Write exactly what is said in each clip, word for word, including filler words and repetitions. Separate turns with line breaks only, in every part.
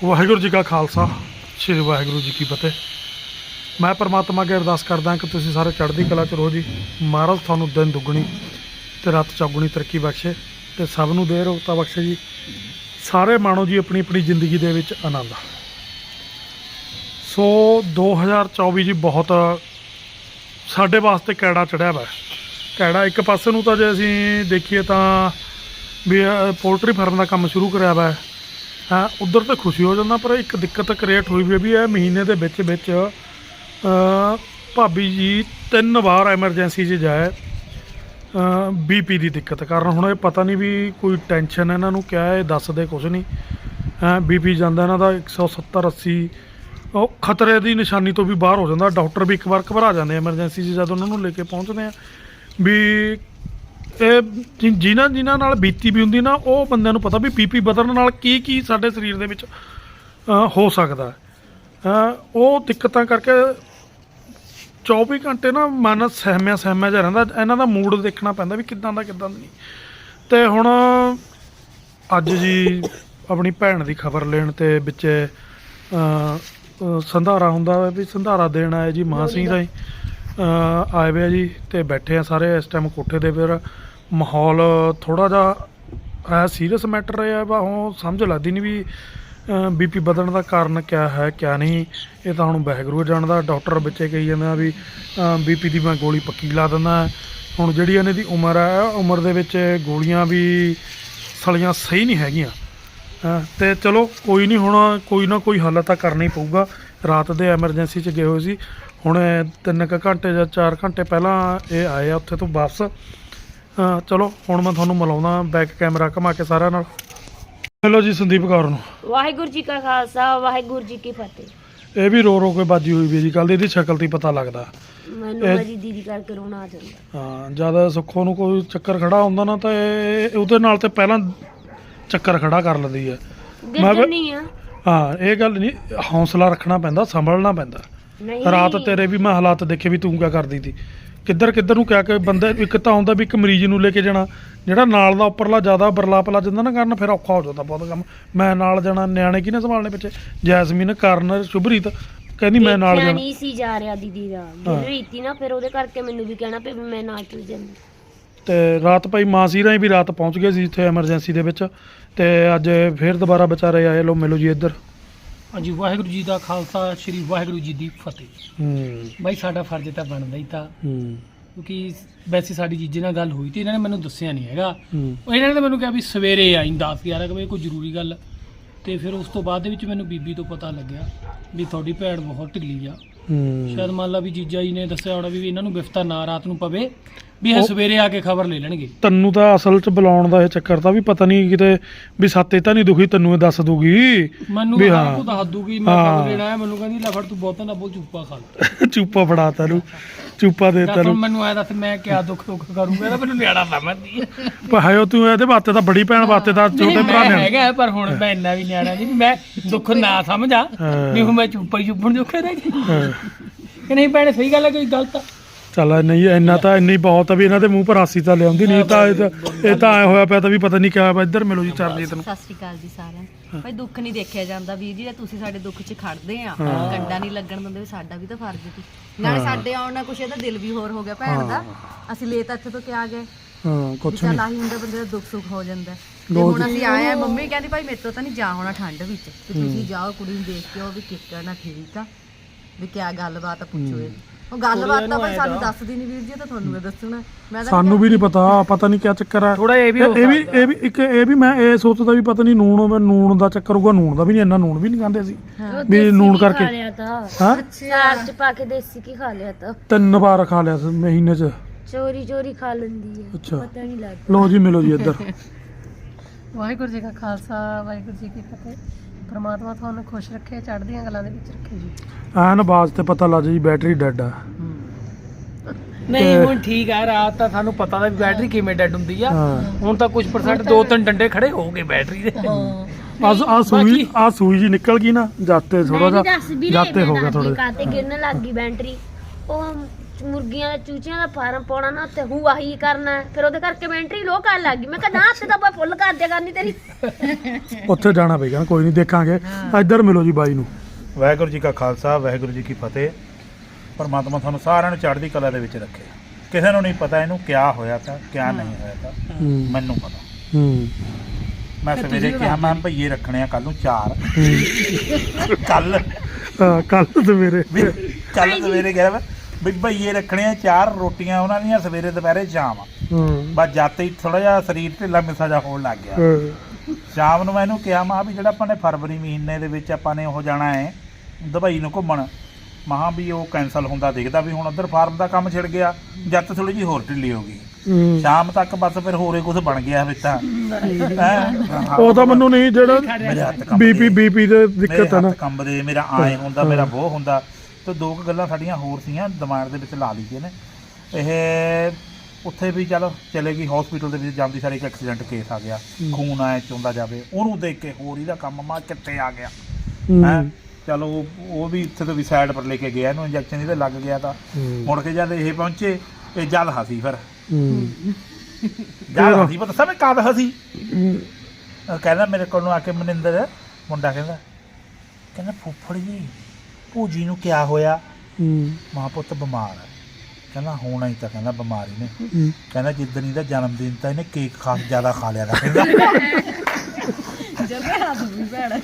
ਵਾਹਿਗੁਰੂ ਜੀ ਕਾ ਖਾਲਸਾ ਸ਼੍ਰੀ ਵਾਹਿਗੁਰੂ ਜੀ ਕੀ ਫਤਿਹ। ਮੈਂ परमात्मा अगे अरदास करदा कि तुसीं सारे चढ़दी कला च रहो जी। महाराज तुहानूं दिन दुगनी ते रात चौगुनी तरक्की बख्शे ते सब नूं दे रोगता बख्शे जी। सारे माणो जी अपनी अपनी जिंदगी दे विच आनंद। सो दो हज़ार चौबी जी बहुत साडे वास्ते कैड़ा चढ़िया वा। कैड़ा एक पासे नूं तां जे असीं देखीए तां भी पोल्ट्री फार्म का काम शुरू कराया वा, हाँ उधर तो खुशी हो जाता, पर एक दिक्कत क्रिएट हुई भी है महीने के बिच बिच भाभी जी तीन बार एमरजेंसी च जाए बी पी की दिक्कत कारण। हुण पता नहीं भी कोई टेंशन है इन्हों क्या है, दसदे कुछ नहीं है। बी पी जाता इन्हों का एक सौ सत्तर अस्सी खतरे की निशानी तो भी बाहर हो जाता। डॉक्टर भी एक बार घबरा जाते एमरजेंसी च जब उन्होंने लेके पहुँचते हैं भी जिन्हां जिन्हां नाल बीती भी हुंदी ना वो बंदे नूं पता भी पी पी बदलण नाल की की साडे शरीर दे विच हो सकदा है। वो दिक्कतां करके चौबी घंटे ना मन सहमिया सहमिया जिहा रहिंदा। इन्हां दा मूड देखना पैंदा भी किदां दा किदां नहीं। ते हुण अज जी अपनी भैन दी खबर लेण ते विच संधारा हुंदा भी संधारा देण आए जी मां सिंह दा आए वे जी। ते बैठे हैं सारे इस टाइम कोठे दे। फिर माहौल थोड़ा जा है सीरियस मैटर है वा हुण समझ लगदी नहीं भी बी पी बधण का कारण क्या है क्या नहीं। ये तो हुण वाहिगुरू जानदा। डॉक्टर बच्चे कही जांदे भी बी पी की मैं गोली पक्की ला दिंदा। हुण जिहड़ी इन्हां दी उम्र है उम्र दे विच गोलियां भी सलियां सही नहीं हैगियां। ते चलो कोई नहीं, हुण कोई ना कोई हल तां करना ही पऊगा। रात दे एमरजेंसी च गए हुए सी, हुण तीन क घंटे या चार घंटे पहला ये आए आ उत्थे तो वापस। हाँ चलो हुण मैं तुहानूं मिलाउंदा बैक कैमरा घुमा के सारिਆਂ ਨਾਲ। हेलो जी संदीप कौर नूं
वाहिगुरू जी का खालसा वाहिगुरू जी की फतेह।
ये भी रो रो के बाजी हुई भी जी। कल दी शक्ल ती पता लगदा
मैनूं मेरी दीदी करके रोना आ जांदा।
हाँ जद सुखों नूं कोई चक्कर खड़ा हुंदा ना तो उहदे नाल ते पहलां चक्कर खड़ा कर लैंदी है। मैं
नहीं आ
हाँ ये गल नहीं, हौसला रखना पैंदा, संभलना पैंदा। रात तेरे भी मैं हालात देखे भी तूं क्या करदी थी, किधर किधर नूं क्या कि बंदे एक तां हुंदा भी एक मरीज नूं लेके जाना, ਜਿਹੜਾ ਨਾਲ ਦਾ ਉੱਪਰਲਾ ਜ਼ਿਆਦਾ ਬਰਲਾਪ ਲੱਜ ਜਾਂਦਾ ਨਾ ਕਰਨ, ਫਿਰ ਔਖਾ ਹੋ ਜਾਂਦਾ ਬਹੁਤ ਕੰਮ। ਮੈਂ ਨਾਲ ਜਾਣਾ, ਨਿਆਣੇ ਕਿਹਨੇ ਸੰਭਾਲਣੇ ਪਿੱਛੇ? ਜੈਸਮੀਨ, ਕਰਨ, ਸ਼ੁਭਰੀਤ ਕਹਿੰਦੀ ਮੈਂ ਨਾਲ ਜਾਣਾ
ਨਹੀਂ ਸੀ ਜਾ ਰਿਹਾ ਦੀਦੀ ਦਾ ਰੀਤੀ ਨਾ, ਫਿਰ ਉਹਦੇ ਕਰਕੇ ਮੈਨੂੰ ਵੀ ਕਹਿਣਾ ਪਈ ਮੈਂ ਨਾਲ ਚਲ ਜਾਂਦੀ।
ਤੇ ਰਾਤ ਭਾਈ ਮਾਂ ਸੀ ਰਾਹੀਂ ਵੀ ਰਾਤ ਪਹੁੰਚ ਗਏ ਸੀ ਇੱਥੇ ਐਮਰਜੈਂਸੀ ਦੇ ਵਿੱਚ। ਤੇ ਅੱਜ ਫਿਰ ਦੁਬਾਰਾ ਵਿਚਾਰੇ ਆਏ। ਲੋ ਮਿਲੋ ਜੀ ਇੱਧਰ।
ਹਾਂਜੀ ਵਾਹਿਗੁਰੂ ਜੀ ਦਾ ਖਾਲਸਾ ਸ਼੍ਰੀ ਵਾਹਿਗੁਰੂ ਜੀ ਦੀ ਫਤਿਹ।
ਹੂੰ
ਬਾਈ ਸਾਡਾ ਫਰਜ਼ ਤਾਂ ਬਣਦਾ ਹੀ ਤਾਂ,
ਹੂੰ
ਕਿਉਂਕਿ ਵੈਸੇ ਸਾਡੀ ਜੀਜੇ ਨਾਲ ਗੱਲ ਹੋਈ ਤੇ ਇਹਨਾਂ ਨੇ ਮੈਨੂੰ ਦੱਸਿਆ ਨਹੀਂ ਹੈਗਾ।
ਹੂੰ
ਉਹ ਇਹਨਾਂ ਨੇ ਤਾਂ ਮੈਨੂੰ ਕਿਹਾ ਵੀ ਸਵੇਰੇ ਆਈ ਦਸ ਗਿਆਰਾਂ ਕੁ ਵਜੇ ਕੋਈ ਜ਼ਰੂਰੀ ਗੱਲ। ਤੇ ਫਿਰ ਉਸ ਤੋਂ ਬਾਅਦ ਦੇ ਵਿੱਚ ਮੈਨੂੰ ਬੀਬੀ ਤੋਂ ਪਤਾ ਲੱਗਿਆ ਵੀ ਤੁਹਾਡੀ ਭੈਣ ਬਹੁਤ ਢਿੱਲੀ ਆ।
ਹੂੰ
ਸ਼ਾਇਦ ਮੰਨ ਲਾ ਵੀ ਜੀਜਾ ਜੀ ਨੇ ਦੱਸਿਆ ਹੋਣਾ ਵੀ ਇਹਨਾਂ ਨੂੰ ਬਿਫਤਾ ਨਾ ਰਾਤ ਨੂੰ ਪਵੇ, ਵੀ ਇਹ ਸਵੇਰੇ ਆ ਕੇ ਖਬਰ ਲੈ ਲੈਣਗੇ।
ਤੈਨੂੰ ਤਾਂ ਅਸਲ 'ਚ ਬੁਲਾਉਣ ਦਾ ਇਹ ਚੱਕਰ ਤਾਂ ਵੀ ਪਤਾ ਨਹੀਂ ਕਿਤੇ ਵੀ ਸਾਤੇ ਤਾਂ ਨਹੀਂ ਦੁਖੀ, ਤੈਨੂੰ ਇਹ ਦੱਸ ਦੂਗੀ
ਮੈਨੂੰ
ਵੀ
ਹਾਂ
ਹਾਂ
ਕੋ ਦੱਸ ਦੂਗੀ ਮੈਂ ਖਬਰ ਲੈਣਾ ਹੈ। ਮੈਨੂੰ ਕਹਿੰਦੀ ਲੈ ਫੜ ਤੂੰ ਬਹੁਤਾ ਨਾ ਬੋਲ, ਚੁੱਪਾ ਖਾ ਲੈ।
ਚੂਪਾ ਫੜਾ ਤੈਨੂੰ, ਚੂਪਾ ਦੇ
ਦੱਸ ਹੁਣ
ਤੈਨੂੰ।
ਮੈਨੂੰ ਐ ਦੱਸ ਮੈਂ ਕਿਆ ਦੁੱਖ ਦੁੱਖ ਕਰੂੰਗਾ, ਇਹਦਾ ਮੈਨੂੰ ਨਿਆਣਾ ਸਮਝਦੀ ਹੈ।
ਪਰ ਹਾਇਓ ਤੂੰ ਇਹਦੇ ਵਾਸਤੇ ਤਾਂ ਬੜੀ ਭੈਣ ਵਾਸਤੇ ਤਾਂ ਛੋਟੇ
ਨਹੀਂ,
ਭਰਾ
ਮੈਂ
ਨੇ
ਹੈਗਾ ਪਰ ਹੁਣ ਮੈਂ ਇੰਨਾ ਵੀ ਨਿਆਣਾ ਨਹੀਂ ਵੀ ਮੈਂ ਦੁੱਖ ਨਾ ਸਮਝਾਂ ਵੀ ਹੁਣ ਮੈਂ ਚੁੱਪਾ ਹੀ ਚੁੱਪਣ ਜੋਖੇ ਰਹਿ ਗਈ ਕਿ ਨਹੀਂ। ਭੈਣੇ ਸਹੀ ਗੱਲ ਹੈ, ਕੋਈ ਗਲਤ ਆ?
ਚੱਲ ਨਹੀਂ ਇੰਨਾ ਤਾਂ ਇੰਨੀ ਬਹੁਤ ਆ ਵੀ ਇਹਨਾਂ ਦੇ ਮੂੰਹ ਪਰ ਹਾਸੀ ਤਾਂ ਲਿਆਉਂਦੀ ਨਹੀਂ। ਤਾਂ ਇਹ ਤਾਂ ਇਹ ਤਾਂ ਐ ਹੋਇਆ ਪਿਆ ਤਾਂ ਵੀ ਪਤਾ ਨਹੀਂ ਕਿਆ। ਇੱਧਰ ਮਿਲੋ ਜੀ ਚਰਨਜੀਤ ਨੂੰ।
ਸਤਿ ਸ਼੍ਰੀ ਅਕਾਲ ਜੀ ਸਾਰਿਆਂ ਨੂੰ। ਭਾਈ ਦੁੱਖ ਨਹੀਂ ਦੇਖਿਆ ਜਾਂਦਾ ਵੀਰ ਜੀ, ਤੁਸੀਂ ਸਾਡੇ ਦੁੱਖ 'ਚ ਖੜਦੇ ਆ, ਕੰਡਾ ਨਹੀਂ ਲੱਗਣ ਦਿੰਦੇ, ਵੀ ਸਾਡਾ ਵੀ ਤਾਂ ਫਰਜ਼ ਸੀ। ਨਾਲੇ ਸਾਡੇ ਆਉਣ ਨਾਲ ਕੁਛ ਇਹਦਾ ਦਿਲ ਵੀ ਹੋਰ ਹੋ ਗਿਆ ਭੈਣ ਦਾ। ਅਸੀਂ ਲੈ ਤਾਂ ਇੱਥੇ ਤੋਂ ਕਿਆ ਗਏ,
ਹਾਂ ਕੁਛ
ਚੱਲ
ਨਹੀਂ।
ਆਹੀ ਹੁੰਦਾ ਬੰਦੇ ਦਾ ਦੁੱਖ ਸੁੱਖ ਹੋ ਜਾਂਦਾ। ਤੇ ਹੁਣ ਅਸੀਂ ਆਏ ਆ, ਮੰਮੀ ਕਹਿੰਦੀ ਭਾਈ ਮੇਰੇ ਤੋਂ ਤਾਂ ਨਹੀਂ ਜਾ ਹੋਣਾ ਠੰਡ ਵਿੱਚ, ਤੇ ਤੁਸੀਂ ਜਾਓ ਕੁੜੀ ਨੂੰ ਦੇਖ ਕੇ ਆਓ ਵੀ ਕਿੱਕਰ ਨਾ ਠੀਕ ਆ, ਵੀ ਕਿਆ ਗੱਲਬਾਤ ਆ, ਪੁੱਛੋ ਇਹ। ਉਹ ਗੱਲਬਾਤ ਤਾਂ ਭਾਈ ਸਾਨੂੰ ਦੱਸਦੀ ਨਹੀਂ ਵੀਰ ਜੀ, ਤਾਂ ਤੁਹਾਨੂੰ ਇਹ ਦੱਸਣਾ। ਮੈਂ ਤਾਂ
ਸਾਨੂੰ ਵੀ ਨਹੀਂ ਪਤਾ, ਪਤਾ ਨਹੀਂ ਕਿਆ ਚੱਕਰ ਆ।
ਥੋੜਾ ਇਹ ਵੀ
ਇਹ ਵੀ ਇਹ ਵੀ ਇੱਕ ਇਹ ਵੀ ਮੈਂ ਇਹ ਸੋਚਦਾ ਵੀ ਪਤਾ ਨਹੀਂ ਨੂਣ ਨੂਣ ਦਾ ਚੱਕਰ ਹੋਊਗਾ। ਨੂਣ ਦਾ ਵੀ ਨਹੀਂ, ਇੰਨਾ ਨੂਣ ਵੀ ਨਹੀਂ ਖਾਂਦੇ ਸੀ ਵੀ ਨੂਣ ਕਰਕੇ।
ਲਿਆ ਤਾਂ
ਹਾਂ
ਚਾਰ ਚ ਪਾ ਕੇ ਦੇਸੀ ਕੀ ਖਾ ਲਿਆ ਤਾਂ,
ਤਿੰਨ ਵਾਰ ਖਾ ਲਿਆ ਸੀ ਮਹੀਨੇ 'ਚ।
ਚੋਰੀ ਚੋਰੀ ਖਾ ਲੈਂਦੀ ਹੈ,
ਅੱਛਾ
ਪਤਾ ਨਹੀਂ ਲੱਗਦਾ।
ਲੋ ਜੀ ਮਿਲੋ ਜੀ ਇੱਧਰ।
ਵਾਹਿਗੁਰੂ ਜੀ ਕਾ ਖਾਲਸਾ ਵਾਹਿਗੁਰੂ ਜੀ ਕੀ ਫਤਿਹ। ਪਰਮਾਤਮਾ ਤੁਹਾਨੂੰ ਖੁਸ਼ ਰੱਖੇ, ਚੜ੍ਹਦੀਆਂ ਗੱਲਾਂ ਦੇ ਵਿੱਚ ਰੱਖੇ ਜੀ।
ਐਨ ਆਵਾਜ਼ ਤੇ ਪਤਾ ਲੱਗ ਜੀ ਬੈਟਰੀ ਡੈਡ ਆ।
ਨਹੀਂ ਹੁਣ ਠੀਕ ਆ, ਰਾਤ ਤਾਂ ਸਾਨੂੰ ਪਤਾ ਦਾ ਵੀ ਬੈਟਰੀ ਕਿਵੇਂ ਡੈਡ ਹੁੰਦੀ ਆ।
ਹਾਂ
ਹੁਣ ਤਾਂ ਕੁਝ ਪਰਸੈਂਟ ਦੋ ਤਿੰਨ ਡੰਡੇ ਖੜੇ ਹੋ ਗਏ ਬੈਟਰੀ ਦੇ।
ਆ ਆ ਸੂਈ ਆ ਸੂਈ ਜੀ ਨਿਕਲ ਗਈ ਨਾ ਜਾਤੇ ਥੋੜਾ
ਮੈਂ ਵੀ
ਜਿਹਾ
ਦੱਸ ਵੀ
ਜਾਤੇ
ਰਹੇ
ਹੋ ਗਿਆ
ਮੈਂ
ਥੋੜੇ।
ਕਾਤੇ ਗਿਰਨ ਲੱਗ ਗਈ ਬੈਟਰੀ। ਉਹ ਮੁਰਗੀਆਂ ਦਾ ਚੂਚਿਆਂ ਦਾ ਫਾਰਮ ਪਾਉਣਾ ਨਾ ਤੇ ਹੂੰ ਆਹੀ ਕਰਨਾ ਹੈ। ਫਿਰ ਉਹਦੇ ਕਰਕੇ ਮੈਂ ਐਂਟਰੀ ਲੋ ਕਰਨ ਲੱਗ ਗਈ। ਮੈਂ ਕਿਹਾ ਨਾ ਤੇ ਤਾਂ ਆਪਾਂ ਫੁੱਲ ਕਰ ਦਿਆ ਕਰਨੀ ਤੇਰੀ।
ਉੱਥੇ ਜਾਣਾ ਪਏਗਾ, ਕੋਈ ਨਹੀਂ ਦੇਖਾਂਗੇ। ਇੱਧਰ ਮਿਲੋ ਜੀ ਬਾਈ ਨੂੰ।
ਵਾਹਿਗੁਰੂ ਜੀ ਕਾ ਖਾਲਸਾ ਵਾਹਿਗੁਰੂ ਜੀ ਕੀ ਫਤਿਹ। ਪਰਮਾਤਮਾ ਤੁਹਾਨੂੰ ਸਾਰਿਆਂ ਨੂੰ ਚੜ੍ਹਦੀ ਕਲਾ ਦੇ ਵਿੱਚ ਰੱਖੇ। ਕਿਸੇ ਨੂੰ ਨਹੀਂ ਪਤਾ ਇਹਨੂੰ ਕਿਆ ਹੋਇਆ ਤਾਂ ਕਿਆ ਨਹੀਂ ਹੋਇਆ ਤਾਂ, ਮੈਨੂੰ ਪਤਾ।
ਹੂੰ
ਮੈਂ ਸਵੇਰੇ ਕਿਹਾ ਮੈਂ ਭਈਏ ਰੱਖਣੇ ਆ ਕੱਲ ਨੂੰ ਚਾਰ। ਕੱਲ
ਕੱਲ ਸਵੇਰੇ
ਕੱਲ ਸਵੇਰੇ ਕਿਹਾ ਮੈਂ ਵੀ ਭਈਏ ਰੱਖਣੇ ਆ ਚਾਰ, ਰੋਟੀਆਂ ਉਹਨਾਂ ਦੀਆਂ ਸਵੇਰੇ ਦੁਪਹਿਰੇ ਸ਼ਾਮ।
ਹੂੰ
ਬਸ ਜਾਤੇ ਹੀ ਥੋੜਾ ਜਿਹਾ ਸਰੀਰ ਢਿੱਲਾ ਮਿੱਸਾ ਜਿਹਾ ਹੋਣ ਲੱਗ ਗਿਆ। ਸ਼ਾਮ ਨੂੰ ਮੈਂ ਇਹਨੂੰ ਕਿਹਾ ਮਾ ਵੀ ਜਿਹੜਾ ਆਪਾਂ ਨੇ ਫਰਵਰੀ ਮਹੀਨੇ ਦੇ ਵਿੱਚ ਆਪਾਂ ਨੇ ਉਹ ਜਾਣਾ ਹੈ ਦੁਬਈ ਨੂੰ ਘੁੰਮਣ, ਮਹਾ ਵੀ ਉਹ ਕੈਂਸਲ ਹੁੰਦਾ ਦਿਖਦਾ ਵੀ ਹੁਣ ਉੱਧਰ ਫਾਰਮ ਦਾ ਕੰਮ ਛਿੜ ਗਿਆ। ਜੱਤ ਥੋੜੀ ਜਿਹੀ ਹੋਰ ਢਿੱਲੀ ਹੋ ਗਈ। ਸ਼ਾਮ ਤੱਕ ਬਸ ਫਿਰ ਹੋਰੇ ਕੁਝ ਬਣ ਗਿਆ ਵਿੱਚ ਤਾਂ।
ਉਹ ਤਾਂ ਮੈਨੂੰ ਨਹੀਂ ਜਿਹੜਾ
ਮੇਰੇ ਹੱਥ
ਬੀਪੀ ਬੀਪੀ ਦੇ ਦਿੱਕਤ ਹੈ ਨਾ,
ਕੰਬਦੇ, ਮੇਰਾ ਆਏ ਹੁੰਦਾ, ਮੇਰਾ ਬੋਹ ਹੁੰਦਾ। ਤੇ ਦੋ ਕੁ ਗੱਲਾਂ ਸਾਡੀਆਂ ਹੋਰ ਸੀਗੀਆਂ ਦਿਮਾਗ ਦੇ ਵਿੱਚ ਲਾ ਲਈਆਂ ਨੇ। ਇਹ ਉੱਥੇ ਵੀ ਚੱਲ ਚਲੇ ਗਈ ਹਸਪੀਟਲ ਦੇ ਵਿੱਚ ਜਾਂਦੀ ਸਾਰੀ ਇੱਕ ਐਕਸੀਡੈਂਟ ਕੇਸ ਆ ਗਿਆ, ਖੂਨ ਆਇਆ ਚੁੰਦਾ ਜਾਵੇ, ਉਹਨੂੰ ਦੇਖ ਕੇ ਹੋਰ ਇਹਦਾ ਕੰਮ ਮਾ ਕਿੱਥੇ ਆ ਗਿਆ ਹੈ। ਚਲੋ ਉਹ ਵੀ ਇੱਥੇ ਤੋਂ ਵੀ ਸਾਈਡ ਪਰ ਲੈ ਕੇ ਗਿਆ, ਇਹਨੂੰ ਇੰਜੈਕਸ਼ਨ ਇਹਦੇ ਲੱਗ ਗਿਆ। ਤਾਂ ਮੁੜ ਕੇ ਜਦ ਇਹ ਪਹੁੰਚੇ ਇਹ ਜਦ ਹਸੀ ਫਿਰ ਜਦ ਹਸੀ ਪਤਾ ਸਮਝ ਕਦ ਹਸੀ। ਕਹਿੰਦਾ ਮੇਰੇ ਕੋਲ ਨੂੰ ਆ ਕੇ ਮਨਿੰਦਰ ਮੁੰਡਾ ਕਹਿੰਦਾ ਕਹਿੰਦਾ ਫੁੱਫੜ ਜੀ ਭੂਜੀ ਨੂੰ ਕਿਆ ਹੋਇਆ? ਮਾਂ ਪੁੱਤ ਬਿਮਾਰ ਹੈ। ਕਹਿੰਦਾ ਹੋਣਾ ਹੀ ਤਾਂ ਕਹਿੰਦਾ ਬਿਮਾਰੀ ਨੇ। ਕਹਿੰਦਾ ਜਿੱਦਣ ਇਹਦਾ ਜਨਮ ਦਿਨ ਤਾਂ ਇਹਨੇ ਕੇਕ ਖਾਸ ਜ਼ਿਆਦਾ ਖਾ ਲਿਆ ਕਹਿੰਦਾ।
ਜਦੇ ਹੱਥ ਵੀ ਭੈੜਾ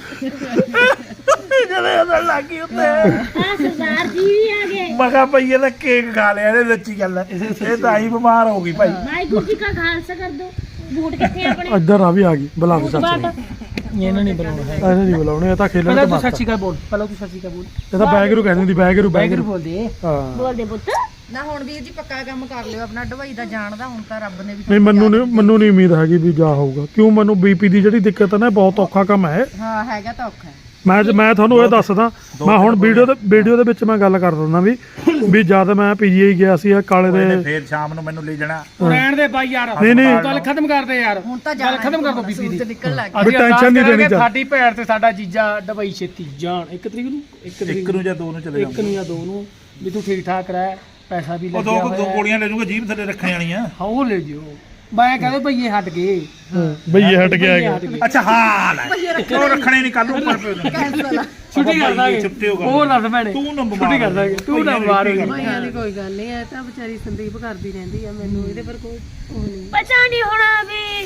ਜਦੇ ਉਹਦਾ ਲੱਗੀ ਉੱਤੇ
ਹਾਂ ਸਰਦਾਰ ਜੀ ਵੀ ਆ ਗਏ।
ਮੈਂ ਕਿਹਾ ਭਈ ਇਹਦਾ ਕੇਕ ਖਾ ਲਿਆ ਇਹਨੇ, ਸੱਚੀ ਗੱਲ ਹੈ। ਇਹ ਤਾਂ ਹੀ ਬਿਮਾਰ ਹੋ ਗਈ ਭਾਈ।
ਵਾਹਿਗੁਰੂ ਜੀ ਕਾ ਖਾਲਸਾ ਕਰ ਦੋ। ਬੂਟ ਕਿੱਥੇ ਆਪਣੇ?
ਇੱਧਰ ਆ ਵੀ ਆ ਗਈ, ਬੁਲਾ ਦੇ ਚਾਚੇ ਨੂੰ।
ਇਹਨਾਂ ਨਹੀਂ ਬੁਲਾਉਣਾ ਹੈ।
ਐਸੇ ਨਹੀਂ ਬੁਲਾਉਣੇ, ਇਹ ਤਾਂ ਖੇਲਣ
ਪਹਿਲਾਂ
ਤੇ
ਤੂੰ
ਮਸਤ।
ਸੱਚੀ ਕਾ ਬੋਲ, ਪਹਿਲਾਂ ਤੂੰ ਸੱਚੀ ਕਾ ਬੋਲ।
ਇਹ ਤਾਂ ਬੈਗਰੂ ਕਹਿੰਦੀ ਹੁੰਦੀ, ਬੈਗਰੂ
ਵਾਹਿਗੁਰੂ
ਬੈਗਰੂ।
ਬੋਲ ਦੇ।
ਹਾਂ
ਬੋਲਦੇ ਪੁੱਤ।
ਨਾ ਹੁਣ ਵੀਰ ਜੀ ਪੱਕਾ ਕੰਮ ਕਰ ਲਿਓ ਆਪਣਾ ਢਵਾਈ ਦਾ ਜਾਣ ਦਾ। ਹੁਣ ਤਾਂ ਰੱਬ ਨੇ ਵੀ
ਨਹੀਂ ਮੈਨੂੰ ਨਹੀਂ ਮੈਨੂੰ ਨਹੀਂ ਉਮੀਦ ਹੈਗੀ ਵੀ ਜਾ ਹੋਊਗਾ, ਕਿਉਂ ਮੈਨੂੰ ਬੀਪੀ ਦੀ ਜਿਹੜੀ ਦਿੱਕਤ ਹੈ ਨਾ ਬਹੁਤ ਔਖਾ ਕੰਮ ਹੈ।
ਹਾਂ ਹੈਗਾ ਤਾਂ ਔਖਾ ਹੈ।
ਮੈਂ ਮੈਂ ਤੁਹਾਨੂੰ ਇਹ ਦੱਸਦਾ, ਮੈਂ ਹੁਣ ਵੀਡੀਓ ਦੇ ਵੀਡੀਓ ਦੇ ਵਿੱਚ ਮੈਂ ਗੱਲ ਕਰ ਦਿੰਦਾ ਵੀ ਵੀ ਜਦ ਮੈਂ ਪੀਜੀਆਈ ਗਿਆ ਸੀ ਆ ਕਾਲੇ
ਇਹਨੇ
ਦੇ।
ਫੇਰ ਸ਼ਾਮ ਨੂੰ ਮੈਨੂੰ ਲੈ ਜਾਣਾ।
ਰਹਿਣ ਦੇ ਬਾਈ ਯਾਰ,
ਨਹੀਂ ਨਹੀਂ
ਗੱਲ ਖਤਮ ਕਰ ਦੇ ਯਾਰ।
ਹੁਣ ਤਾਂ
ਗੱਲ ਖਤਮ ਕਰ ਦੋ ਬੀਬੀ ਦੀ।
ਸੂਰਜ ਨਿਕਲ ਲੱਗ
ਵੀ
ਅਸੀਂ
ਟੈਨਸ਼ਨ ਨਹੀਂ
ਅਰਦਾਸ
ਲੈਣੀ
ਕਰਾਂਗੇ
ਚਾਹੀਦੀ।
ਸਾਡੀ ਭੈਣ ਤੇ ਸਾਡਾ ਜੀਜਾ ਦੁਬਈ ਛੇਤੀ ਜਾਣ। ਇੱਕ ਤਰੀਕ ਨੂੰ ਇੱਕ ਤਰੀਕ
ਇੱਕ ਨੂੰ ਜਾਂ ਦੋ ਨੂੰ ਚਲੇ
ਇੱਕ ਨੂੰ ਜਾਂ ਦੋ ਨੂੰ ਵੀ ਤੂੰ ਠੀਕ ਠਾਕ ਰਹਿ, ਪੈਸਾ ਵੀ
ਉਹ ਦੋ
ਲੱਗਿਆ
ਦੋ
ਹੋਇਆ।
ਗੋਲੀਆਂ ਲੈ ਜੂਗਾ ਜੀਭ ਥੱਲੇ ਰੱਖਣ ਵਾਲੀਆਂ।
ਹਾਂ ਉਹ ਲੈ ਜਿਓ। ਮੈਂ ਕਹਿੰਦਾ ਭਈਏ ਹਟ ਗਏ।
ਬਈ ਇਹ ਹਟ ਗਿਆ ਹੈਗਾ।
ਹਟ ਗਏ।
ਅੱਛਾ ਹਾਂ ਲੈ ਉਹ ਰੱਖਣੇ ਨਹੀਂ ਕੱਲ ਨੂੰ ਉੱਪਰ ਪਏ।
ਕੈਂਸਲ।
ਛੁੱਟੀ ਕਰ ਦਾਂਗੇ।
ਛੁੱਟੀ ਹੋਗਾ।
ਉਹ ਦੱਸ ਭੈਣੇ।
ਤੂੰ ਨਾ ਬਿਮਾਰ
ਛੁੱਟੀ ਕਰ ਦਾਂਗੇ। ਤੂੰ ਨਾ ਬਿਮਾਰ ਹੋ ਜੀ।
ਭਾਈਆਂ ਦੀ ਕੋਈ ਗੱਲ ਨਹੀਂ ਹੈ, ਤਾਂ ਵਿਚਾਰੀ ਸੰਦੀਪ ਕਰਦੀ ਰਹਿੰਦੀ ਆ, ਮੈਨੂੰ ਇਹਦੇ ਪਰ ਕੋਈ ਉਹ ਨਹੀਂ।
ਪਤਾ ਨਹੀਂ ਹੋਣਾ ਵੀ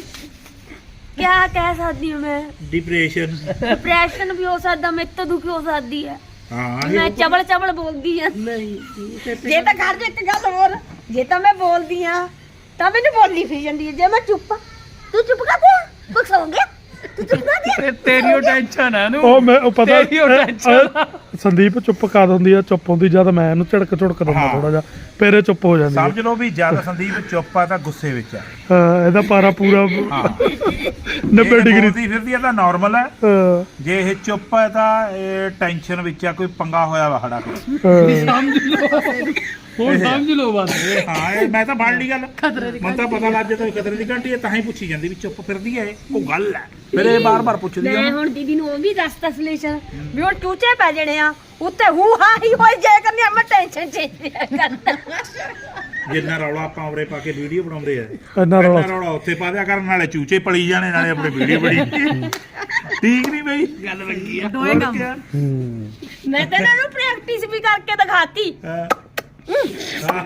ਕਿਆ ਕਹਿ ਸਕਦੀ ਹਾਂ ਮੈਂ।
ਡਿਪਰੈਸ਼ਨ।
ਡਿਪਰੈਸ਼ਨ ਵੀ ਹੋ ਸਕਦਾ, ਮੇਰੇ ਤੋਂ ਦੁਖੀ ਹੋ ਸਕਦੀ ਹੈ।
ਹਾਂ
ਮੈਂ ਚਬਲ ਚਬਲ ਬੋਲਦੀ ਆ।
ਨਹੀਂ ਜੀ,
ਜੇ ਤਾਂ ਘਰ ਦੇ ਇੱਕ ਗੱਲ ਹੋਰ, ਜੇ ਤਾਂ ਮੈਂ ਬੋਲਦੀ ਆ ਤਾਂ ਮੈਨੂੰ ਬੋਲਣੀ ਫਿਰ ਜਾਂਦੀ ਹੈ। ਜੇ ਮੈਂ ਚੁੱਪ, ਤੂੰ ਚੁੱਪ ਕਰ ਦੇ, ਕੁਛ ਹੋ ਗਿਆ, ਤੂੰ ਚੁੱਪ ਕਰ ਦੇ।
ਤੇ ਤੇਰੀ ਉਹ ਟੈਨਸ਼ਨ ਹੈ ਨੂੰ।
ਉਹ ਮੈਂ ਉਹ ਪਤਾ
ਤੇਰੀ ਉਹ ਟੈਨਸ਼ਨ ਆ।
ਸੰਦੀਪ ਚੁੱਪ ਕਰ ਦਿੰਦੀ ਆ, ਚੁੱਪ ਹੁੰਦੀ ਜਦ ਮੈਂ ਇਹਨੂੰ ਝੜਕ ਝੁੜਕ ਦਿੰਦਾ
ਹਾਂ।
ਥੋੜਾ ਜਿਹਾ, ਫਿਰ ਇਹ ਚੁੱਪ ਹੋ ਜਾਂਦੀ ਹੈ।
ਸਮਝ ਲਓ ਵੀ ਜਦ ਸੰਦੀਪ ਚੁੱਪ ਆ ਤਾਂ ਗੁੱਸੇ ਵਿੱਚ ਆ।
ਹਾਂ, ਇਹਦਾ ਪਾਰਾ ਪੂਰਾ
ਹਾਂ
ਨੱਬੇ ਡਿਗਰੀ।
ਦੀ ਫਿਰਦੀ ਆ ਤਾਂ ਨਾਰਮਲ ਹੈ।
ਹਾਂ,
ਜੇ ਇਹ ਚੁੱਪ ਹੈ ਤਾਂ ਇਹ ਟੈਨਸ਼ਨ ਵਿੱਚ ਆ, ਕੋਈ ਪੰਗਾ ਹੋਇਆ ਵਾ ਸਾਡਾ ਕੋਈ।
ਹਾਂ।
ਸਮਝ ਲਓ ਹੁਣ ਸਮਝ ਲਓ ਬਸ।
ਹਾਂ ਇਹ ਮੈਂ ਤਾਂ ਫੜ ਲਈ ਗੱਲ। ਮੈਨੂੰ ਤਾਂ ਪਤਾ ਲੱਗ ਜਾਂਦਾ ਖਤਰੇ ਦੀ ਘੰਟੀ ਹੈ, ਤਾਂ ਹੀ ਪੁੱਛੀ ਜਾਂਦੀ ਵੀ ਚੁੱਪ ਫਿਰਦੀ ਹੈ ਇਹ ਕੋਈ ਗੱਲ ਹੈ। ਫਿਰ ਇਹ ਬਾਰ-ਬਾਰ ਪੁੱਛਦੀ
ਮੈਂ
ਆ।
ਹੁਣ ਦੀਦੀ ਨੂੰ ਉਹ ਵੀ ਦੱਸਤਾ ਸੋਲੂਸ਼ਨ ਵੀ ਹੁਣ ਚੂਚੇ ਪੈ ਜਣੇ ਆ ਉੱਤੇ ਹੂ ਹਾ ਹੀ ਹੋਈ ਜਾਏ ਕਰਨੀ। ਮੈਂ ਟੈਨਸ਼ਨ ਚੇਂਜ ਕਰਦਾ।
ਜਿੰਨਾ ਰੌਲਾ ਆਪਾਂ ਉਰੇ ਪਾ ਕੇ ਵੀਡੀਓ ਬਣਾਉਂਦੇ ਆ,
ਇੰਨਾ
ਇੰਨਾ
ਰੌਲਾ
ਰੌਲਾ ਉੱਥੇ ਪਾ ਦਿਆ ਕਰਨ, ਨਾਲੇ ਚੂਚੇ ਪਲੀ ਜਾਣੇ ਨਾਲੇ ਆਪਣੇ ਵੀਡੀਓ ਬਣੀ। ਠੀਕ ਨਹੀਂ ਬਈ ਗੱਲ ਲੱਗੀ ਆ।
ਦੋਏ ਕੰਮ।
ਹੂੰ।
ਮੈਂ ਤਾਂ ਇਹਨਾਂ ਨੂੰ ਪ੍ਰੈਕਟਿਸ ਵੀ ਕਰਕੇ ਦਿਖਾਤੀ।
ਹਾਂ। ਹਾਂ।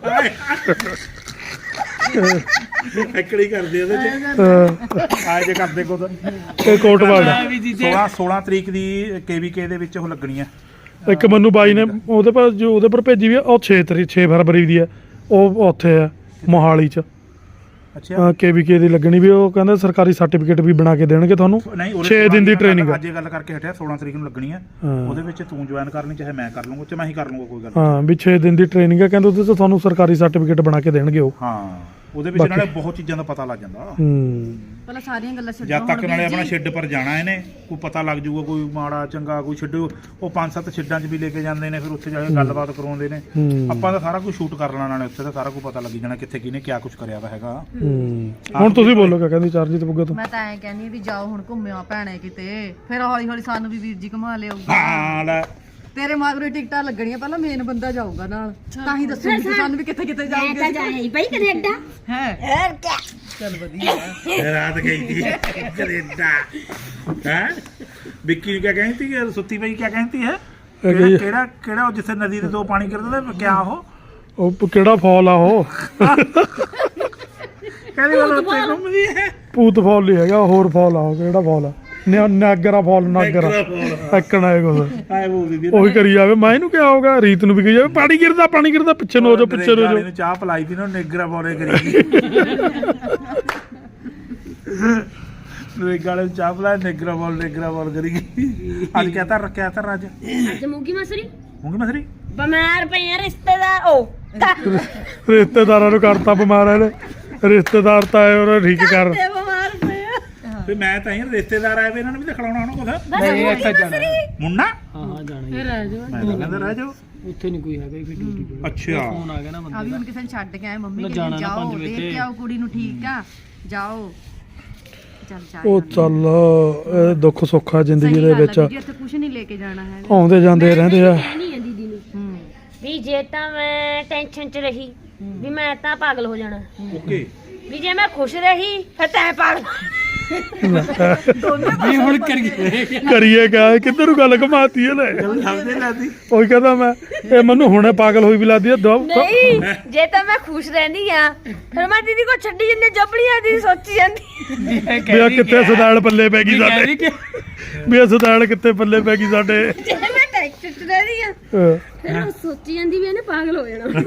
ਐਕੜੀ ਕਰਦੇ ਉਹਦੇ ਚ
ਹਾਂ,
ਆਏ ਜੇ ਕਰਦੇ ਕੋ ਤਾਂ
ਇਹ ਕੋਟਵਾਲ ਦਾ
ਵੀ ਜੀਜੇ
ਸੋਲਾਂ ਸੋਲਾਂ ਤਰੀਕ ਦੀ ਕੇਵੀਕੇ ਦੇ ਵਿੱਚ ਉਹ ਲੱਗਣੀ ਆ।
ਇੱਕ ਮੈਨੂੰ ਬਾਈ ਨੇ ਉਹਦੇ ਪਰ ਜੋ ਉਹਦੇ ਪਰ ਭੇਜੀ ਵੀ ਆ, ਉਹ ਛੇ ਤਰੀਕ ਛੇ ਫਰਵਰੀ ਦੀ ਆ। ਉਹ ਉੱਥੇ ਆ ਮੋਹਾਲੀ ਚ
ਅੱਛਾ
ਕੇਵੀਕੇ ਦੀ ਲੱਗਣੀ ਵੀ। ਉਹ ਕਹਿੰਦੇ ਸਰਕਾਰੀ ਸਰਟੀਫਿਕੇਟ ਵੀ ਬਣਾ ਕੇ ਦੇਣਗੇ ਤੁਹਾਨੂੰ।
ਨਹੀਂ ਉਹਦੇ
ਛੇ ਦਿਨ ਦੀ ਟ੍ਰੇਨਿੰਗ ਆ।
ਅੱਜ ਇਹ ਗੱਲ ਕਰਕੇ ਹਟਿਆ ਸੋਲਾਂ ਤਰੀਕ ਨੂੰ ਲੱਗਣੀ ਆ।
ਹਾਂ।
ਉਹਦੇ ਵਿੱਚ ਤੂੰ ਜੁਆਇਨ ਕਰਨੀ ਚਾਹੇ ਮੈਂ ਕਰ ਲੂੰਗਾ, ਚਾਹੇ ਮੈਂ ਹੀ ਕਰ ਲੂੰਗਾ, ਕੋਈ ਗੱਲ
ਹਾਂ ਵੀ ਛੇ ਦਿਨ ਦੀ ਟ੍ਰੇਨਿੰਗ ਆ, ਕਹਿੰਦੇ ਉਹਦੇ ਤੋਂ ਤੁਹਾਨੂੰ ਸਰਕਾਰੀ ਸਰਟੀਫਿਕੇਟ ਬਣਾ ਕੇ ਦੇਣਗੇ ਉਹ।
ਹਾਂ ਉਹਦੇ ਵਿੱਚ ਨਾਲੇ ਬਹੁਤ ਚੀਜ਼ਾਂ ਦਾ ਪਤਾ ਲੱਗ ਜਾਂਦਾ।
ਹੂੰ।
ਪਹਿਲਾਂ ਸਾਰੀਆਂ ਗੱਲਾਂ ਛੱਡੋ।
ਜਦ ਤੱਕ
ਹੁਣ
ਨਾਲੇ
ਵੀਰ
ਆਪਣਾ
ਜੀ,
ਸ਼ੈੱਡ ਪਰ ਜਾਣਾ ਇਹਨੇ, ਕੋਈ ਪਤਾ ਲੱਗ ਜਾਊਗਾ ਕੋਈ ਮਾੜਾ ਚੰਗਾ ਕੋਈ ਛੱਡੋ। ਉਹ ਪੰਜ ਸੱਤ ਛੱਡਾਂ 'ਚ ਵੀ ਲੈ ਕੇ ਜਾਂਦੇ ਨੇ, ਫਿਰ ਉੱਥੇ ਜਾ ਕੇ ਗੱਲਬਾਤ ਕਰਾਉਂਦੇ ਨੇ।
ਹੂੰ।
ਆਪਾਂ ਤਾਂ ਸਾਰਾ ਕੁਝ ਸ਼ੂਟ ਕਰ ਲੈਣਾ, ਨਾਲੇ ਉੱਥੇ ਤਾਂ ਸਾਰਾ ਕੁਝ ਪਤਾ ਲੱਗ ਜਾਣਾ ਕਿੱਥੇ ਕਿਹਨੇ ਕਿਆ ਕੁਝ ਕਰਿਆ ਵਾ ਹੈਗਾ।
ਹੂੰ। ਹੁਣ ਤੁਸੀਂ ਬੋਲੋ ਕਿਆ ਕਹਿੰਦੀ ਚਰਨਜੀਤ ਬੁੱਗਾ ਤੋਂ।
ਮੈਂ ਤਾਂ ਐਂ ਕਹਿੰਦੀ ਵੀ ਜਾਓ ਹੁਣ ਘੁੰਮਿਓ ਭੈਣੇ ਕਿਤੇ, ਫਿਰ ਹੌਲੀ ਹੌਲੀ ਸਾਨੂੰ ਵੀ ਵੀਰ ਜੀ ਘੁਮਾ ਲਿਓ।
ਹਾਂ ਲੈ
ਤੇਰੇ ਮਗਰੋਂ ਟਿਕਟਾਂ ਲੱਗਣੀਆਂ ਪਹਿਲਾਂ ਮੇਨ ਬੰਦਾ ਜਾਊਗਾ ਨਾਲ ਤਾਂ ਹੀ ਦੱਸੂਗੀ ਕਿ ਸਾਨੂੰ ਵੀ ਕਿੱਥੇ ਕਿੱਥੇ
ਮੈਂ ਤਾਂ
ਜਾਊਗੇ
ਜਾਇਆ ਹੀ ਬਈ ਕੈਨੇਡਾ
ਹੈ
ਹੋਰ ਕਿਆ
ਚੱਲ ਵਧੀਆ
ਰਾਤ ਗਈ ਥੀ ਕੈਨੇਡਾ ਹੈ ਵਿੱਕੀ ਨੂੰ ਕਿਆ ਕਹਿੰਦੀ ਸੀ ਸੁੱਤੀ ਪਈ ਕਿਆ ਕਹਿੰਦੀ ਹੈ
ਇਹ
ਕਿਹੜਾ ਕਿਹੜਾ ਉਹ ਜਿੱਥੇ ਨਦੀ ਦੇ ਦੋ ਪਾਣੀ ਕਰਦੇ ਤੇ ਕਿਆ ਉਹ
ਉਹ ਕਿਹੜਾ ਫਾਲ ਆ ਉਹ
ਕਹਿੰਦੀ ਗੱਲ ਉੱਤੇ ਘੁੰਮਦੀ ਹੈ
ਭੂਤ ਫਾਲ ਨਹੀਂ ਹੈਗਾ ਹੋਰ ਫਾਲ ਆ ਉਹ ਕਿਹੜਾ ਫਾਲ ਆ ਨਿਆ- ਨਾਗਰਾ ਫਾਲ ਨਾਗਰਾ ਐਕਣਾ ਹੈ ਕੁਛ
ਆਏ ਬੋਲਦੀ ਦੀ
ਉਹੀ ਕਰੀ ਜਾਵੇ ਮੈਂ ਇਹਨੂੰ ਕਿਹਾ ਹੋਗਾ ਰੀਤ ਨੂੰ ਵੀ ਕਹੀ ਜਾਵੇ ਪਾਣੀ ਗਿਰਦਾ ਪਾਣੀ ਗਿਰਦਾ ਪਿੱਛੇ ਨੂੰ ਹੋ ਜਾ ਪਿੱਛੇ ਨੂੰ ਹੋ ਜਾ
ਨੂੰ ਚਾਹ ਪਲਾਈ ਦੀ ਨਾ ਨੇਗਰਾ ਬੋਲੇ ਕਰੀ ਨੇਗਰਾ ਵਾਲੇ ਚਾਹ ਪਲਾਈ ਨੇਗਰਾ ਬੋਲ ਨੇਗਰਾ ਬੋਲ ਕਰੀ ਅੱਜ ਕਿਆ ਤਾਂ ਰੱਖਿਆ ਤਾਂ ਅੱਜ
ਅੱਜ ਮੂੰਗੀ ਮਸਰੀ
ਮੂੰਗੀ ਮਸਰੀ
ਬਿਮਾਰ ਪਏ ਆ ਰਿਸ਼ਤੇਦਾਰ ਉਹ
ਰਿਸ਼ਤੇਦਾਰਾਂ ਨੂੰ ਕਰਤਾ ਬਿਮਾਰ ਇਹਨੇ ਰਿਸ਼ਤੇਦਾਰ ਤਾਂ ਆਏ ਉਹਨਾਂ ਠੀਕ ਕਰ
ਤੇ ਬਿਮਾਰ ਪਏ ਆ
ਤੇ ਮੈਂ ਤਾਂ ਇਹ ਰਿਸ਼ਤੇਦਾਰ ਆਏ ਵੇ ਇਹਨਾਂ ਨੂੰ ਵੀ ਤਾਂ ਖਿਲਾਉਣਾ ਹੋਣਾ ਕੁਛ
ਬਸ
ਨਹੀਂ
ਮੂੰਗੀ
ਇੱਥੇ ਜਾਣਾ
ਮਸਰੀ
ਮੁੰਨਾ
ਹਾਂ ਹਾਂ ਜਾਣਾ
ਫਿਰ ਰਹਿ ਜਾਓ
ਮੈਂ ਤਾਂ ਕਹਿੰਦਾ ਰਹਿ ਜਾਓ
ਉੱਥੇ ਨਹੀਂ ਕੋਈ ਹੈਗਾ ਫਿਰ ਡਿਊਟੀ ਤੇ
ਅੱਛਾ
ਫੋਨ ਆ ਗਿਆ ਨਾ
ਆ
ਬੰਦੇ
ਵੀ
ਦਾ
ਹੁਣ ਕਿਸੇ ਨੂੰ ਛੱਡ ਕੇ ਆਏ ਮੰਮੀ
ਮੈਂ
ਕਹਿੰਦੀ
ਜਾਣਾ ਨਾ
ਜਾਓ
ਪੰਜ ਵਜੇ
ਦੇਖ
ਤੇ।
ਕੇ ਆਓ ਕੁੜੀ ਨੂੰ ਠੀਕ ਆ ਜਾਓ ਚੱਲ ਚਾਹ
ਉਹ ਚੱਲ ਇਹ ਦੁੱਖ ਸੁੱਖ ਆ ਜ਼ਿੰਦਗੀ ਦੇ ਵਿੱਚ
ਇੱਥੇ ਕੁਝ ਨਹੀਂ ਲੈ ਕੇ ਜਾਣਾ ਹੈ
ਆਉਂਦੇ ਜਾਂਦੇ ਰਹਿੰਦੇ ਆ
ਨਹੀਂ ਆ ਦੀਦੀ ਨੂੰ
ਹੂੰ
ਵੀ ਜੇ ਤਾਂ ਮੈਂ ਟੈਨਸ਼ਨ 'ਚ ਰਹੀ ਵੀ ਮੈਂ ਤਾਂ ਪਾਗਲ ਹੋ ਜਾਣਾ
ਓਕੇ
ਵੀ ਜੇ ਮੈਂ ਖੁਸ਼ ਰਹੀ ਫਿਰ ਤੈਂ ਪਾਗਲ
ਵੀ ਹੁਣ ਕਰੀਏ
ਕਰੀਏ ਕਿਆ ਕਿੱਧਰ ਨੂੰ ਗੱਲ ਘਮਾਤੀ ਇਹਨੇ
ਸਮਝੇ ਲਾਦੀ
ਉਹੀ ਕਹਿੰਦਾ ਮੈਂ ਇਹ ਮੈਨੂੰ ਹੁਣੇ ਪਾਗਲ ਹੋਈ ਵੀ ਲੱਗਦੀ ਆ ਦੋ
ਨਹੀਂ ਜੇ ਤਾਂ ਮੈਂ ਖੁਸ਼ ਰਹਿੰਦੀ ਆ ਫਿਰ ਮੈਂ ਦੀਦੀ ਕੋ ਛੱਡੀ ਜਿੰਨੇ ਜਬੜੀਆਂ ਦੀ ਸੋਚੀ ਜਾਂਦੀ
ਵੀ ਆ ਕਿੱਥੇ ਸਦਾਲ ਪੱਲੇ ਪੈ ਗਈ ਸਾਡੇ
ਕਹਿੰਦੀ ਕਿ
ਵੀ ਇਹ ਸਦਾਲ ਕਿੱਥੇ ਪੱਲੇ ਪੈ ਗਈ ਸਾਡੇ
ਜੇ ਮੈਂ ਟੈਨਸ਼ਨ 'ਚ ਰਹਿੰਦੀ ਆ
ਹਾਂ।
ਫਿਰ ਮੈਂ ਸੋਚੀ ਜਾਂਦੀ ਵੀ ਇਹਨੇ ਪਾਗਲ ਹੋ ਜਾਣਾ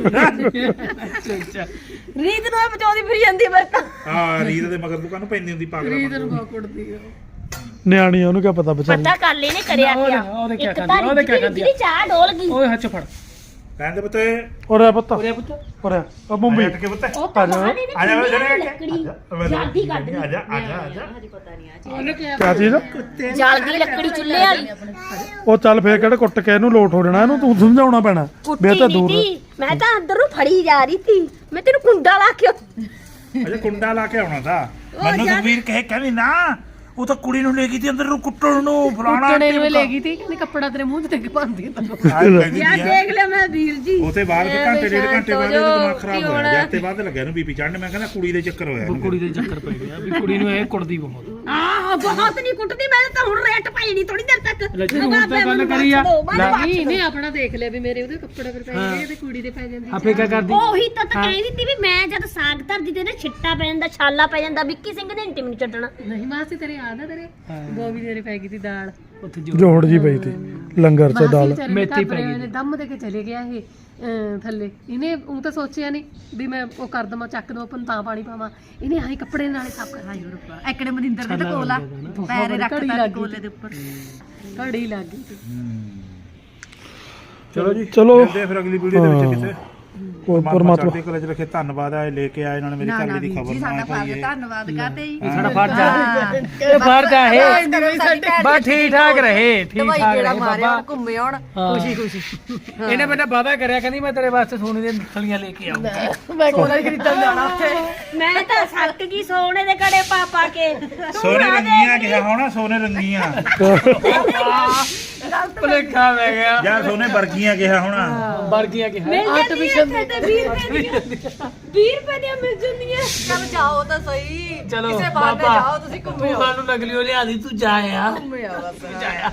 ਰੀਤ ਨੂੰ ਇਹ ਬਚਾਉਂਦੀ ਫਿਰ ਜਾਂਦੀ ਆ ਮੇਰੇ ਤਾਂ
ਹਾਂ ਰੀਤ ਦੇ ਮਗਰ ਤੂੰ ਕਾਹਨੂੰ ਪੈਂਦੀ ਹੁੰਦੀ ਪਾਗਲ
ਕੁੜਦੀ ਆ
ਨਿਆਣੀ ਆ, ਉਹਨੂੰ ਕਿਆ ਪਤਾ ਵਿਚਾਰੀ
ਪਤਾ ਕਰ ਲਈ ਨੇ ਕਰਿਆ
ਉਹਦੇ-
ਕਿਆ
ਉਹਦੇ ਕਿਆ
ਇੱਕ
ਕਰਦੀ ਆ,
ਤਾਂ
ਉਹਦੇ ਕਿਆ
ਰੀਤ
ਕਰਦੀ ਆ।
ਦੀ ਚਾਹ ਡੋਲ ਗਈ
ਓਏ ਹੱਥ 'ਚ ਫੜ
ਕਹਿੰਦੇ ਪੁੱਤੇ
ਉਰੇ ਪੁੱਤ
ਉਰੇ ਪੁੱਤ
ਉਰੇ ਆ ਮੁੰਬਈ
ਹਟ ਕੇ ਪੁੱਤੇ
ਉਹ ਤਾਂ
ਆ ਜਾਓ।
ਬਾਹਰ ਇਹਨੇ
ਆ ਜਾ
ਚੁੱਲ੍ਹੇ
ਜਰਾ
ਵਾਲੀ ਲੱਕੜੀ ਜਲਦੀ ਕੱਢ
ਆ
ਲਈ
ਜਾ ਆ ਜਾ ਆ ਜਾ
ਉਹਨੇ ਕਿਹਾ
ਕਿਆ ਚੀਜ਼
ਜਲਦੀ ਲੱਕੜੀ ਚੁੱਲ੍ਹੇ ਵਾਲੀ
ਉਹ ਚੱਲ ਫੇਰ ਕਿਹੜੇ ਕੁੱਟ ਕੇ ਇਹਨੂੰ ਲੋਟ ਹੋ ਜਾਣਾ ਇਹਨੂੰ ਤੂੰ ਸਮਝਾਉਣਾ ਪੈਣਾ ਵੀ ਇਹ
ਕੁੱਟੀ
ਤਾਂ
ਨਹੀਂ
ਦੂਰ
ਤੀ ਮੈਂ ਤਾਂ ਅੰਦਰ ਨੂੰ ਫੜੀ ਜਾ ਰਹੀ ਸੀ ਮੈਂ ਤੈਨੂੰ ਕੁੰਡਾ ਲਾ ਕੇ
ਅਜੇ ਕੁੰਡਾ ਲਾ ਕੇ ਆਉਣਾ ਤਾਂ ਮੈਨੂੰ ਸੁਖਵੀਰ ਕਹੇ ਕਹਿੰਦੀ ਨਾ ਉਹ ਤਾਂ ਕੁੜੀ ਨੂੰ ਲੈ ਗਈ ਤੀ ਅੰਦਰ ਨੂੰ ਕੁੱਟਣ ਨੂੰ ਫਲਾਣਾ
ਕੁੱਟਣੇ ਨੂੰ ਲੈ ਗਈ ਤੀ ਕਹਿੰਦੀ ਕੱਪੜਾ ਤੇਰੇ ਮੂੰਹ ਤੇ ਟਿਕ ਪਾਉਂਦੀ
ਯਾਰ ਦੇਖ ਲੈ ਮੈਂ ਵੀਰ ਜੀ
ਉਤੇ ਬਾਅਦ ਦੇ ਘੰਟੇ ਡੇਢ ਘੰਟੇ ਬਾਅਦ ਇਹਦਾ ਦਿਮਾਗ ਖਰਾਬ ਹੋ
ਹੁਣ-
ਗਿਆ ਤੇ ਬਾਅਦ ਲੱਗਿਆ ਇਹਨੂੰ ਬੀਪੀ ਚੜਨ ਮੈਂ ਕਹਿੰਦਾ ਕੁੜੀ ਦੇ ਚੱਕਰ ਹੋਇਆ ਇਹਨੂੰ।
ਕੁੜੀ ਦੇ ਚੱਕਰ ਪੈ ਗਿਆ ਵੀ ਕੁੜੀ ਨੂੰ ਇਹ ਕੁੜਦੀ ਬਹੁਤ
ਆਹ ਬਹੁਤ ਨਹੀਂ ਕੁੱਟਦੀ ਮੈਂ ਤਾਂ ਹੁਣ ਰੇਟ ਪਾਈ ਨਹੀਂ ਥੋੜੀ ਦੇਰ ਤੱਕ
ਲੈ ਜੀ, ਹੁਣ ਤਾਂ ਗੱਲ ਕਰੀ ਆ। ਲੈ।
ਨਹੀਂ ਇਹਨੇ ਆਪਣਾ ਦੇਖ ਲਿਆ ਵੀ ਮੇਰੇ ਉਹਦੇ ਕੱਪੜੇ ਪਰ ਪੈ ਜਾਂਦੇ ਤੇ ਕੁੜੀ ਦੇ ਪੈ ਜਾਂਦੀ
ਆਪੇ ਕਿਆ ਕਰਦੀ
ਉਹੀ ਤਾਂ ਤਾਂ ਕਹਿ ਦਿੱਤੀ ਵੀ ਮੈਂ ਜਦ ਸਾਗ ਧਰਦੀ ਤੇ ਇਹਦੇ ਛਿੱਟਾ ਪੈ ਜਾਂਦਾ ਛਾਲਾ ਪੈ ਜਾਂਦਾ ਵਿੱਕੀ ਸਿੰਘ ਨੇ ਇੰਟੀ ਮੈਨੂੰ ਛੱਡਣਾ
ਨਹੀਂ ਮਾਸੀ ਤੇਰੇ ਯਾਦ ਆ ਤੇਰੇ ਗੋਭੀ ਤੇਰੇ ਪੈ ਗਈ ਤੀ ਦਾਲ
ਉੱਥੇ ਜੋ
ਜੋੜ ਜੀ ਪਈ ਤੀ ਲੰਗਰ ਚ ਦਾਲ
ਮੇਥੀ
ਮੇਥੀ
ਪੈ
ਪੈ ਗਈ
ਗਈ ਦਮ ਦੇ ਕੇ ਚਲੇ ਗਿਆ ਇਹ ਅਹ, ਥੱਲੇ ਇਹਨੇ ਉਹ ਤਾਂ ਸੋਚਿਆ ਨਹੀਂ ਵੀ ਮੈਂ ਉਹ ਕਰ ਦਵਾਂ ਚੱਕ ਦਵਾਂ ਪਨ ਤਾਂ ਪਾਣੀ ਪਾਵਾਂ ਇਹਨੇ ਆਹੀ ਕੱਪੜੇ ਨਾਲੇ ਸਾਫ ਕਰ
ਹਾਈ ਰੱਬਾ ਐਕੜੇ ਮਨਿੰਦਰ ਦੇ ਤਾਂ ਕੋਲ ਆ ਪੈਰ ਰੱਖਦਾ ਕੋਲੇ ਦੇ ਉੱਪਰ
ਘੜੀ ਲੱਗ ਗਈ ਸੀ।
ਚਲੋ ਜੀ
ਚਲੋ।
ਮਿਲਦੇ ਆ ਫਿਰ ਅਗਲੀ ਵੀਡੀਓ ਦੇ ਵਿੱਚ ਕਿਸੇ
ਉਹ
ਪਰਮਾਤਮਾ
ਪਰਮਾਤਮਾ
ਚੜ੍ਹਦੀ ਕਲਾ ਚ ਰੱਖੇ ਧੰਨਵਾਦ ਆ ਇਹ ਲੈ ਕੇ ਆਏ ਇਹਨਾਂ ਨੇ ਮੇਰੀ
ਨਾ
ਘਰ
ਨਾ
ਵਾਲੀ ਦੀ
ਵੀਰ
ਖਬਰ
ਜੀ
ਨਾ
ਸਾਡਾ
ਪਾਈ
ਫਰਜ਼ ਧੰਨਵਾਦ ਕਰਦੇ ਜੀ
ਸਾਡਾ ਫਰਜ਼ ਆ
ਹਾਂ।
ਇਹ ਫਰਜ਼ ਆ ਇਹ
ਬਸ
ਬਸ ਠੀਕ ਠਾਕ ਰਹੇ ਠੀਕ
ਦਵਾਈ
ਠਾਕ
ਜਿਹੜਾ
ਰਹੇ
ਮਾਰਿਆ
ਬਾਬਾ
ਘੁੰਮੇ ਆਉਣ
ਹਾਂ।
ਖੁਸ਼ੀ ਖੁਸ਼ੀ
ਇਹਨੇ ਮੈਨੂੰ ਵਾਅਦਾ ਕਰਿਆ ਕਹਿੰਦੀ ਮੈਂ ਤੇਰੇ ਵਾਸਤੇ ਸੋਨੇ ਦੀਆਂ ਥਲੀਆਂ ਲੈ ਕੇ ਆਉਂਗਾ
ਸੋਨਾ ਹੀ ਖਰੀਦਣ ਜਾਣਾ ਉੱਥੇ
ਮੈਂ ਤਾਂ ਸੱਕ ਗਈ ਸੋਨੇ ਦੇ ਕੜੇ ਪਾ ਪਾ ਕੇ
ਸੋਨੇ ਰੰਗੀਆਂ ਕਿਹਾ ਹੋਣਾ ਸੋਨੇ ਰੰਗੀਆਂ
ਭੁਲੇਖਾ ਪੈ ਗਿਆ
ਜਾਂ ਸੋਨੇ ਵਰਗੀਆਂ ਕਿਹਾ ਹੋਣਾ
ਵਰਗੀਆਂ ਕਿ
ਮਿਲ ਜਾਂਦੀਆਂ ਇੱਥੇ ਤੇ ਵੀਹ ਰੁਪਏ ਦੀਆਂ ਵੀਹ ਰੁਪਏ ਦੀਆਂ ਮਿਲ ਜਾਂਦੀਆਂ
ਚੱਲ ਜਾਓ ਤਾਂ ਸਹੀ
ਚਲੋ
ਕਿਸੇ ਬਹਾਨੇ
ਬਾਬਾ
ਜਾਓ ਤੁਸੀਂ ਘੁੰਮੇ
ਤੂੰ
ਆਓ
ਸਾਨੂੰ ਨਗਲੀਓ ਲਿਆ ਦੀ ਤੂੰ ਜਾ ਆ
ਘੁੰਮੇ ਆਓ ਬਸ
ਜਾਇਆ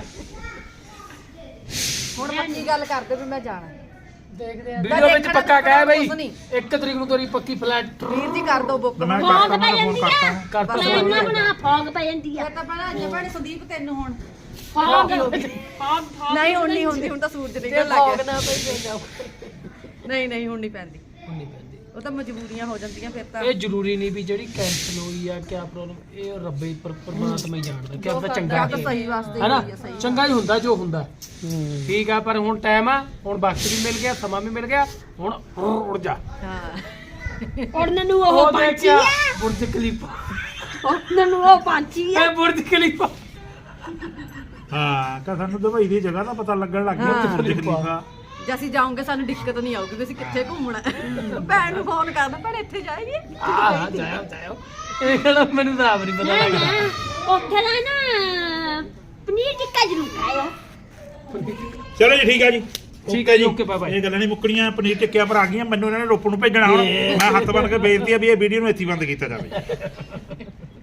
ਹੁਣ ਪੱਕੀ ਗੱਲ ਕਰਦੇ ਵੀ ਮੈਂ ਜਾਣਾ
ਦੇਖਦੇ ਆ
ਵੀਡੀਓ ਵਿੱਚ ਪੱਕਾ ਕਹਿ ਬਈ
ਕੁਛ ਨਹੀਂ।
ਇੱਕ ਤਰੀਕ ਨੂੰ ਤੇਰੀ ਪੱਕੀ ਫਲੈਟ
ਵੀਰ ਜੀ ਕਰ ਦੋ ਬੁੱਕ
ਮੈਂ
ਫੌਗ
ਕਰਤਾ
ਪੈ
ਮੈਂ ਫੋਨ
ਜਾਂਦੀ
ਕਰਤਾ
ਆ
ਕਰਤਾ
ਪਲੇਨਾਂ ਬਣਾ ਫੌਗ ਪੈ ਜਾਂਦੀ ਆ
ਫਿਰ ਤਾਂ ਪਹਿਲਾਂ ਅੱਜ ਭੈਣੇ ਸੰਦੀਪ ਤੈਨੂੰ ਹੁਣ
ਫੌਗ ਫੌਗ ਫੌਗ
ਨਹੀਂ ਹੁਣ ਨਹੀਂ ਹੁੰਦੀ ਹੁਣ ਤਾਂ ਸੂਰਜ ਨਿਕਲ ਲੱਗ ਗਿਆ ਨਹੀਂ ਨਹੀਂ ਹੁਣ ਨਹੀਂ ਪੈਂਦੀ
ਨਹੀਂ ਪੈਂਦੀ
ਉਹ ਤਾਂ ਮਜਬੂਰੀਆਂ ਹੋ ਜਾਂਦੀਆਂ ਫਿਰ ਤਾਂ
ਇਹ ਜ਼ਰੂਰੀ ਨਹੀਂ ਵੀ ਜਿਹੜੀ ਕੈਂਸਲ ਹੋਈ ਆ ਕਿਆ ਪ੍ਰੋਬਲਮ ਇਹ ਰੱਬੇ ਪਰ ਪਰਮਾਤਮਾ ਹੀ ਜਾਣਦਾ ਕਿ ਆਪਦਾ ਚੰਗਾ
ਤਾਂ
ਕੀ ਹੈ
ਸਹੀ ਵਾਸਤੇ
ਹੈਨਾ
ਹੀ ਆ ਸਹੀ
ਚੰਗਾ ਹੀ ਹੁੰਦਾ ਜੋ ਹੁੰਦਾ ਠੀਕ ਆ ਪਰ ਹੁਣ ਟਾਈਮ ਆ ਹੁਣ ਵਕਤ ਵੀ ਮਿਲ ਗਿਆ ਸਮਾਂ ਵੀ ਮਿਲ ਗਿਆ ਹੁਣ ਉੜ ਜਾ
ਹਾਂ
ਉੜਨ ਨੂੰ ਉਹ
ਉਹ
ਪੰਛੀ
ਦੇਖਿਆ
ਆ
ਬੁਰਜ ਖਲੀਫਾ
ਉੜਨ ਨੂੰ ਉਹ ਪੰਛੀ ਆ
ਇਹ ਬੁਰਜ ਖਲੀਫਾ
ਹਾਂ ਕਾ ਸਾਨੂੰ ਦੁਬਈ ਦੀ ਜਗ੍ਹਾ ਦਾ ਪਤਾ ਲੱਗਣ ਲੱਗ ਗਿਆ ਉੱਥੇ ਬੁਰਜ ਖਲੀਫਾ
ਜੇ ਅਸੀਂ ਜਾਓਗੇ ਸਾਨੂੰ ਦਿੱਕਤ ਨਹੀਂ ਆਊਗੀ ਵੀ ਅਸੀਂ ਕਿੱਥੇ ਘੁੰਮਣਾ ਹੈ। ਭੈਣ ਨੂੰ ਫੋਨ ਕਰਨਾ ਭੈਣ ਇੱਥੇ ਜਾਏਗੀ
ਆ ਜਾਇਆ ਜਾਇਆ ਇਹ ਕਿਹੜਾ ਮੈਨੂੰ ਤਾਂ ਆਪ ਨਹੀਂ ਪਤਾ
ਨਾ
ਲੱਗਦਾ
ਨਾ ਉੱਥੇ ਦਾ ਨਾ ਪਨੀਰ ਟਿੱਕਾ ਜ਼ਰੂਰ ਖਾਇਆ
ਚਲੋ ਜੀ ਠੀਕ ਆ ਜੀ
ਠੀਕ ਹੈ ਜੀ ਓਕੇ ਬਾਏ ਬਾਏ
ਇਹ ਗੱਲਾਂ ਨਹੀਂ ਮੁੱਕਣੀਆਂ ਪਨੀਰ ਟਿੱਕਿਆ ਪਰ ਆ ਗਈਆਂ ਮੈਨੂੰ ਇਹਨਾਂ ਨੇ ਰੋਪੜ ਨੂੰ ਭੇਜਣਾ ਹੁਣ ਮੈਂ ਹੱਥ ਬੰਨ ਕੇ ਬੇਨਤੀ ਆ ਵੀ ਇਹ ਵੀਡੀਓ ਨੂੰ ਇੱਥੇ ਹੀ ਬੰਦ ਕੀਤਾ ਜਾਵੇ